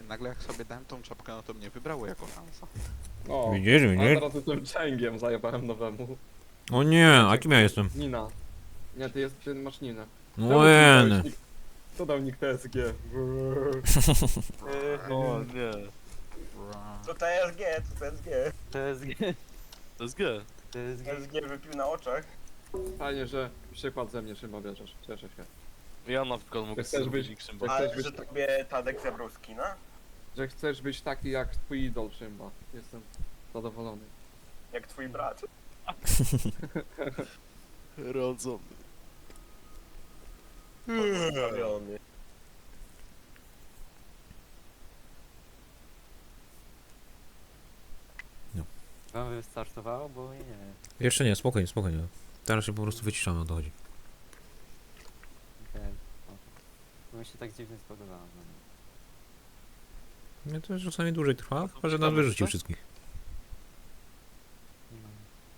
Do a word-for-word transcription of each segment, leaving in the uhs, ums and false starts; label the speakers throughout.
Speaker 1: nagle jak sobie dałem tą czapkę, no to mnie wybrało jako Hansa.
Speaker 2: O,
Speaker 3: Widzisz,
Speaker 2: a
Speaker 3: widzisz?
Speaker 2: teraz jestem Chengiem, zajebałem nowemu.
Speaker 3: O nie, a kim ja jestem?
Speaker 2: Nina. Nie, ty, jest, ty masz Ninę. Czemu
Speaker 3: No
Speaker 2: ty mi dałeś
Speaker 3: nie.
Speaker 2: nick- Kto dał nick T S G?
Speaker 4: O nie.
Speaker 5: To T S G, to T S G.
Speaker 4: T S G. T S G.
Speaker 5: T S G wypił na oczach.
Speaker 2: Fajnie, że przykład ze mnie Szymba bierzesz. Cieszę się.
Speaker 4: Ja na przykład mogę
Speaker 2: chcesz
Speaker 4: zrobić
Speaker 2: być-
Speaker 4: nick Szymba.
Speaker 2: Jak
Speaker 5: Ale
Speaker 2: chcesz
Speaker 5: że
Speaker 2: być-
Speaker 5: tobie Tadek zabrał skina?
Speaker 2: Że chcesz być taki jak twój idol Szymba. Jestem zadowolony.
Speaker 5: Jak twój brat.
Speaker 4: Rodzony.
Speaker 5: Zrobiony.
Speaker 6: Wam wystartowało, bo nie.
Speaker 3: Jeszcze nie, spokojnie, spokojnie. Teraz się po prostu wyciszamy, o to chodzi.
Speaker 6: Okej. O. Bo mi się tak dziwnie spodobało. No.
Speaker 3: Nie, to czasami dłużej trwa, chyba że nas wyrzuci wszystkich.
Speaker 6: No.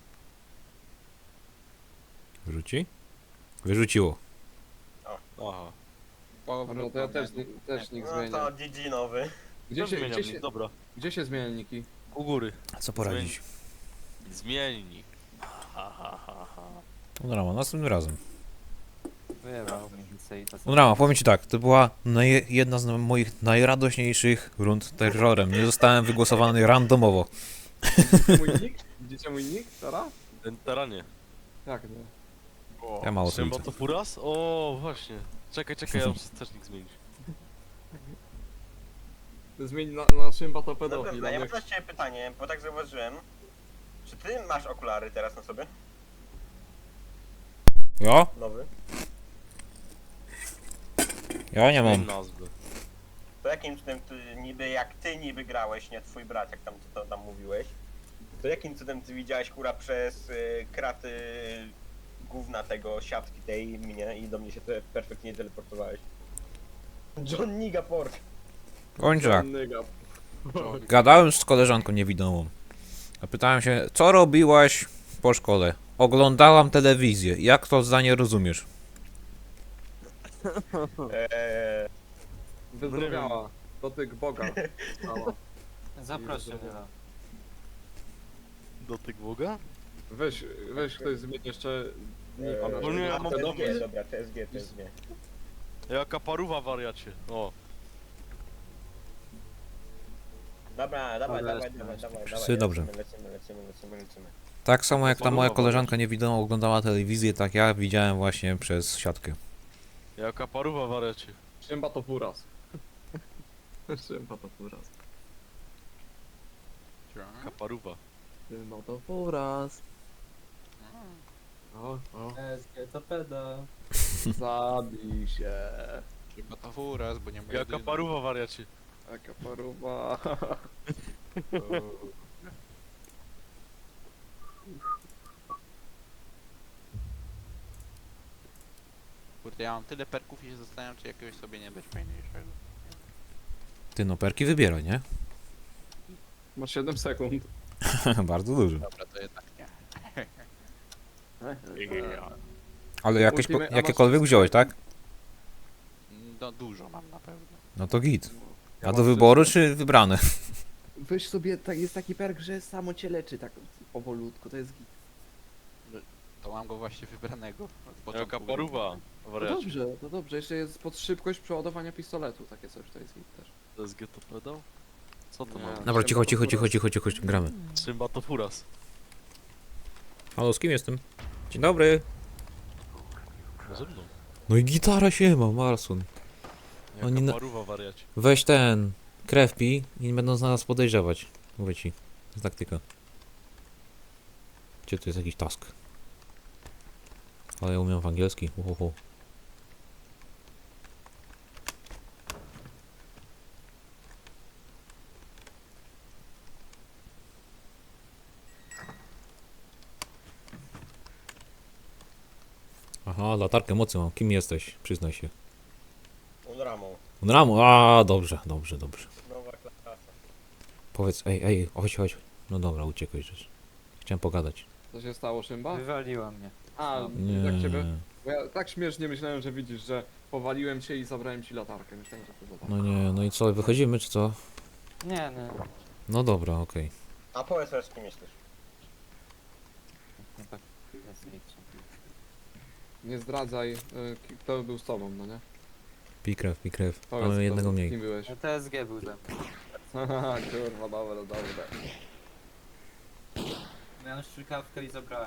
Speaker 3: Wyrzuci? Wyrzuciło.
Speaker 4: Aha.
Speaker 2: No to ja też, też nick
Speaker 5: No
Speaker 2: zmienię.
Speaker 5: to G G nowy.
Speaker 2: Gdzie
Speaker 4: To
Speaker 2: się,
Speaker 4: zmieniam
Speaker 2: gdzie
Speaker 4: nick,
Speaker 2: się,
Speaker 4: dobra.
Speaker 2: gdzie się zmienia niki?
Speaker 4: U góry.
Speaker 3: Co poradzić?
Speaker 4: Zmień nick. Ha ha ha ha.
Speaker 3: Unrama, następnym razem.
Speaker 6: Wyjebał mi więcej to
Speaker 3: Unrama, powiem ci tak, to była naj, jedna z moich najradośniejszych rund terrorem. Nie zostałem wygłosowany randomowo.
Speaker 2: Widzicie mój nick? Widzicie mój nick? Teraz?
Speaker 4: Ten teranie.
Speaker 2: Jak nie?
Speaker 3: Ja mało
Speaker 4: Szymba
Speaker 3: trójce.
Speaker 4: to furas? O, właśnie. Czekaj, czekaj, ja muszę też nick zmienić.
Speaker 2: Zmień na, na Szymba to
Speaker 5: Dobra,
Speaker 2: pedofil.
Speaker 5: ja
Speaker 2: a
Speaker 5: mam
Speaker 2: nie-
Speaker 5: dla ciebie pytanie, bo tak zauważyłem. Czy ty masz okulary teraz na sobie?
Speaker 3: Ja?
Speaker 5: Nowy?
Speaker 3: Ja nie
Speaker 4: Zmień
Speaker 3: mam.
Speaker 4: nazwę.
Speaker 5: To jakim cudem ty niby jak ty niby grałeś, nie twój brat, jak tam ty to tam mówiłeś, to jakim cudem ty widziałeś kura przez y, kraty gówna tego siatki tej mnie i do mnie się te perfektnie teleportowałeś? John Nigaport.
Speaker 3: Kończę tak.
Speaker 2: Nyga.
Speaker 3: Gadałem z koleżanką niewidomą. Zapytałem się, co robiłaś po szkole? Oglądałam telewizję. Jak to zdanie rozumiesz?
Speaker 5: Eee,
Speaker 2: Wyzdrowiała. Dotyk Boga. Stała.
Speaker 6: Zapraszam.
Speaker 4: Dotyk Boga?
Speaker 2: Weź, weź ktoś zmieni jeszcze nika na
Speaker 5: eee,
Speaker 4: No nie, ja
Speaker 5: a,
Speaker 4: mam
Speaker 5: T S G,
Speaker 4: dobry.
Speaker 5: dobra, T S G, T S G.
Speaker 4: Jaka paruwa wariacie. O.
Speaker 5: Dobra, dawaj,
Speaker 6: Dobra,
Speaker 5: dawaj,
Speaker 6: jest
Speaker 5: dawaj,
Speaker 6: nice.
Speaker 5: dawaj,
Speaker 3: Wszyscy
Speaker 5: dawaj,
Speaker 3: dobrze.
Speaker 5: Lecimy, lecimy, lecimy, lecimy, lecimy.
Speaker 3: Tak samo jak ta moja
Speaker 4: Podoba
Speaker 3: koleżanka niewidoma oglądała telewizję, tak ja widziałem właśnie przez siatkę.
Speaker 4: Jaka paruwa wariacie.
Speaker 2: Szymba to furas. Szymba to furas.
Speaker 4: Jaka paruwa.
Speaker 2: Szymba to furas. O, o.
Speaker 6: S G to peda.
Speaker 2: Zabij się.
Speaker 1: Chyba to furaz, bo nie ma
Speaker 4: Jaka
Speaker 1: jedyny.
Speaker 4: paruwa wariacie.
Speaker 2: Jaka paruwa.
Speaker 1: Kurde, ja mam tyle perków i się zastanawiam, czy jakiegoś sobie nie dać fajniejszego.
Speaker 3: Ty no perki wybieraj, nie?
Speaker 2: Masz siedem sekund.
Speaker 3: Bardzo dużo.
Speaker 1: Dobra, to jednak nie.
Speaker 3: Ale jakieś,
Speaker 2: Ultimate- a masz-
Speaker 3: jakiekolwiek wziąłeś, tak?
Speaker 1: No dużo mam na pewno.
Speaker 3: No to git.
Speaker 2: Ja
Speaker 3: A do
Speaker 2: mam
Speaker 3: wyboru czy wybrane?
Speaker 2: Weź sobie, tak, jest taki perk, że samo cię leczy tak powolutku, to jest git.
Speaker 1: To mam go właśnie wybranego. od początku
Speaker 4: Jaka
Speaker 1: gry.
Speaker 4: paruwa
Speaker 2: No
Speaker 4: wariacie.
Speaker 2: dobrze, to dobrze, jeszcze jest pod szybkość przeładowania pistoletu, takie coś, to jest git też.
Speaker 4: T S G to pedał? Co to
Speaker 2: Nie.
Speaker 4: ma?
Speaker 3: Dobra, cicho, cicho, cicho, cicho, cicho, gramy.
Speaker 4: Szymba to furas.
Speaker 3: Halo, z kim jestem? Dzień dobry.
Speaker 4: Ze mną.
Speaker 3: No i gitara się ma, Marson.
Speaker 4: Jaka
Speaker 3: Oni na-
Speaker 4: paruwa wariacie.
Speaker 3: Weź ten, krew pij i nie będą z nas podejrzewać. Mówię ci, to jest taktyka. Gdzie tu jest jakiś task? Ale ja umiem w angielski, uhuhu. Aha, latarkę mocy mam. Kim jesteś? Przyznaj się.
Speaker 5: Unramą.
Speaker 3: Unramu, a dobrze, dobrze, dobrze.
Speaker 5: Nowa klasa.
Speaker 3: Powiedz, ej, ej, chodź, chodź. No dobra, uciekłeś rzecz. Chciałem pogadać.
Speaker 2: Co się stało, Szymba?
Speaker 6: Wywaliła mnie.
Speaker 2: A,
Speaker 3: Nie.
Speaker 2: jak ciebie? Bo ja tak śmiesznie myślałem, że widzisz, że powaliłem cię i zabrałem ci latarkę. Myślałem, że to latarka.
Speaker 3: No nie, no i co, wychodzimy czy co?
Speaker 6: Nie, nie.
Speaker 3: No dobra, okej.
Speaker 5: A powiedz teraz, z kim jesteś.
Speaker 6: No tak, jest liczę.
Speaker 2: Nie zdradzaj, y, ki- kto był z tobą, no nie?
Speaker 3: Pikrew, pikrew.
Speaker 2: Powiedz,
Speaker 3: Mamy
Speaker 2: kto-
Speaker 3: jednego mniej.
Speaker 2: Kim byłeś?
Speaker 6: No T S G był ze mną.
Speaker 2: Haha, kurwa, dobra, dobra.
Speaker 6: Miałem strzykawkę i zabrałem.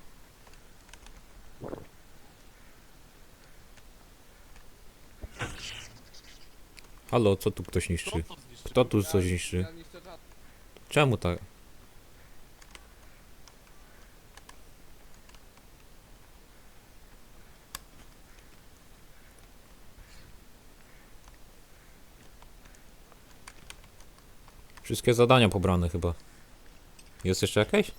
Speaker 3: Halo, co tu ktoś niszczy?
Speaker 4: Kto to zniszczył?
Speaker 3: Kto tu coś niszczy?
Speaker 2: Ja niszczę czat.
Speaker 3: Czemu tak? Wszystkie zadania pobrane chyba. Jest jeszcze jakieś?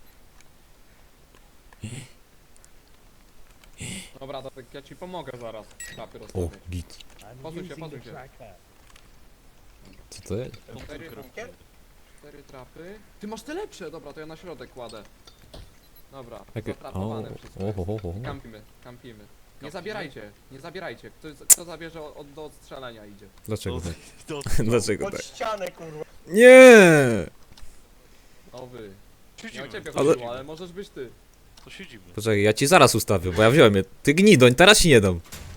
Speaker 2: Dobra, to tak ja ci pomogę zaraz. Trapy
Speaker 3: O,
Speaker 2: rozstawię.
Speaker 3: git.
Speaker 2: Posuń się, posuń się.
Speaker 3: Co to jest?
Speaker 5: Ten
Speaker 2: Cztery
Speaker 5: cztery bunkier?
Speaker 2: Cztery trapy. Ty masz te lepsze, dobra, to ja na środek kładę. Dobra,
Speaker 3: Jakie? O,
Speaker 2: zatrapowane wszystko.
Speaker 3: o, o, o, o.
Speaker 2: Kampimy, kampimy. Nie zabierajcie, nie zabierajcie. Kto, kto zabierze od, do odstrzelenia idzie.
Speaker 3: Dlaczego
Speaker 4: To-
Speaker 3: tak?
Speaker 4: to-
Speaker 3: Dlaczego
Speaker 5: Pod
Speaker 3: tak?
Speaker 5: ścianę, kurwa.
Speaker 3: Nie!
Speaker 2: O wy. Nie
Speaker 4: Siedzimy.
Speaker 2: o ciebie
Speaker 3: Ale-
Speaker 2: chodziło, ale możesz być ty.
Speaker 4: To siedzimy.
Speaker 3: Poczekaj, ja ci zaraz ustawię, bo ja wziąłem je. Ty gnidoń, teraz ci nie dam.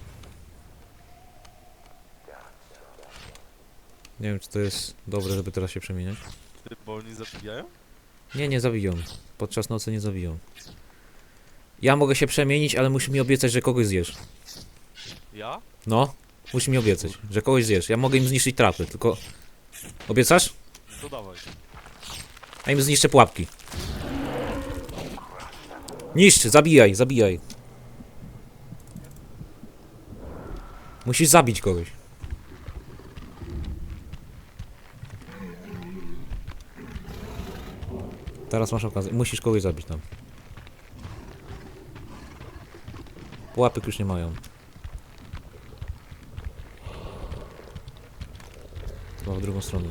Speaker 3: Nie wiem, czy to jest dobre, żeby teraz się przemieniać.
Speaker 4: Ty, bo oni zabijają?
Speaker 3: Nie, nie zabiją. Podczas nocy nie zabiją. Ja mogę się przemienić, ale musisz mi obiecać, że kogoś zjesz.
Speaker 4: Ja?
Speaker 3: No, musisz mi obiecać, że kogoś zjesz. Ja mogę im zniszczyć trapy, tylko... Obiecasz?
Speaker 4: To dawaj.
Speaker 3: A im zniszczę pułapki. Niszcz, zabijaj, zabijaj. Musisz zabić kogoś. Teraz masz okazję. Musisz kogoś zabić tam. Pułapek już nie mają. Chyba w drugą stronę.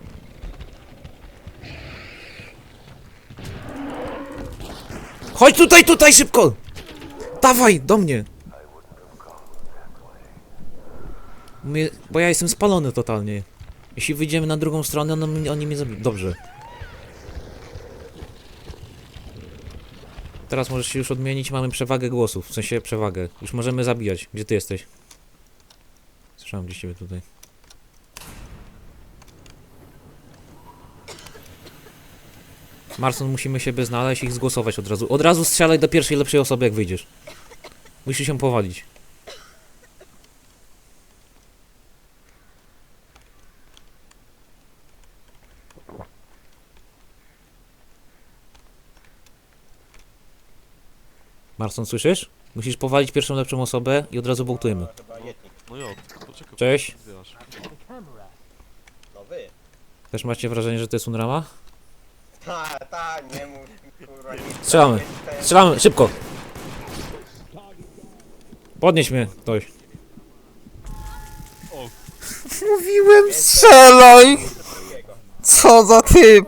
Speaker 3: Chodź tutaj, tutaj, szybko! Dawaj, do mnie! Mnie, bo ja jestem spalony totalnie. Jeśli wyjdziemy na drugą stronę, on, oni mnie zabiją. Dobrze. Teraz możesz się już odmienić, mamy przewagę głosów, w sensie przewagę. Już możemy zabijać. Gdzie ty jesteś? Słyszałem gdzieś ciebie tutaj. Marson, musimy siebie znaleźć i ich zgłosować od razu. Od razu strzelaj do pierwszej lepszej osoby, jak wyjdziesz. Musisz się powalić. Marson, słyszysz? Musisz powalić pierwszą lepszą osobę i od razu wołtujemy.
Speaker 5: Chyba jednik.
Speaker 4: No ja, poczekaj.
Speaker 3: Cześć.
Speaker 4: Zbierasz.
Speaker 5: No wy.
Speaker 3: Też macie wrażenie, że to jest Unrama?
Speaker 5: Ta, ta, nie mów, kurwa. Nie
Speaker 3: Strzelamy.
Speaker 5: Ten-
Speaker 3: Strzelamy, szybko! Podnieś mnie, ktoś.
Speaker 4: O.
Speaker 3: Mówiłem, strzelaj!
Speaker 5: drugiego.
Speaker 3: Co za typ!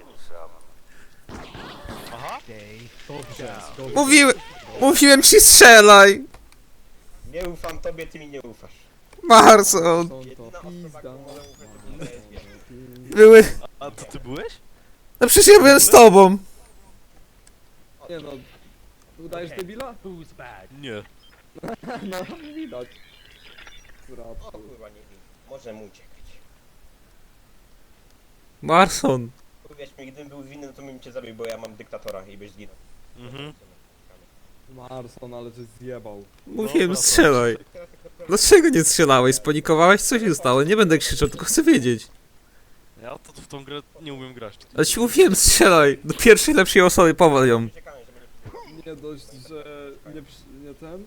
Speaker 4: Aha.
Speaker 3: Mówiłem, mówiłem ci strzelaj!
Speaker 5: Nie ufam tobie, ty mi nie ufasz.
Speaker 3: Marson!
Speaker 2: Są
Speaker 5: Jedyna
Speaker 2: to
Speaker 5: osoba,
Speaker 2: pizda.
Speaker 5: którą mogę ufać, to T S G.
Speaker 3: Były...
Speaker 4: A to ty byłeś?
Speaker 3: No przecież ja byłem z tobą!
Speaker 2: Nie no, udajesz debila?
Speaker 4: Nie.
Speaker 2: No, widać.
Speaker 5: O kurwa, nie wiem. Możemy uciekać.
Speaker 3: Marson!
Speaker 5: Uwierz mi, gdybym był winny, to bym cię zabił, bo ja mam dyktatora i byś zginął.
Speaker 4: Mhm.
Speaker 2: Marson, ale żeś zjebał.
Speaker 3: Mówiłem,
Speaker 4: Dobra, to-
Speaker 3: strzelaj! Dlaczego nie strzelałeś? Spanikowałeś? Co się stało? Nie będę krzyczał, tylko chcę wiedzieć.
Speaker 4: Ja to w tą grę nie umiem grać.
Speaker 3: Ale ci mówiłem, strzelaj! Do pierwszej lepszej osoby, powal ją.
Speaker 5: Uciekamy, żeby nie...
Speaker 2: Nie dość, że nie, przy- nie ten...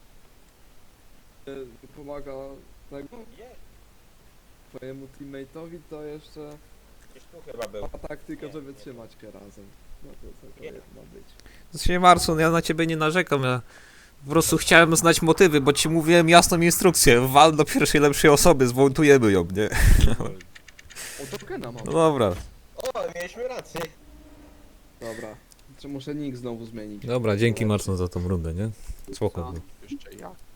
Speaker 2: Nie pomaga tego
Speaker 5: Nie,
Speaker 2: twojemu teammate'owi, to jeszcze
Speaker 5: gdzieś tu chyba był.
Speaker 2: ma taktykę, żeby trzymać się razem. No to co to jest ma być.
Speaker 3: Znaczy, Marson, ja na ciebie nie narzekam, ja po prostu chciałem znać motywy, bo ci mówiłem jasną instrukcję. Wal do pierwszej lepszej osoby, zwołtujemy ją, nie?
Speaker 2: O, tokena mam.
Speaker 3: No dobra.
Speaker 5: O, mieliśmy rację.
Speaker 2: Dobra. Czy muszę nick znowu zmienić?
Speaker 3: Dobra, dzięki Marson za tą rundę, nie? Spoko.
Speaker 6: Co?
Speaker 3: było.
Speaker 1: Już jeszcze jak.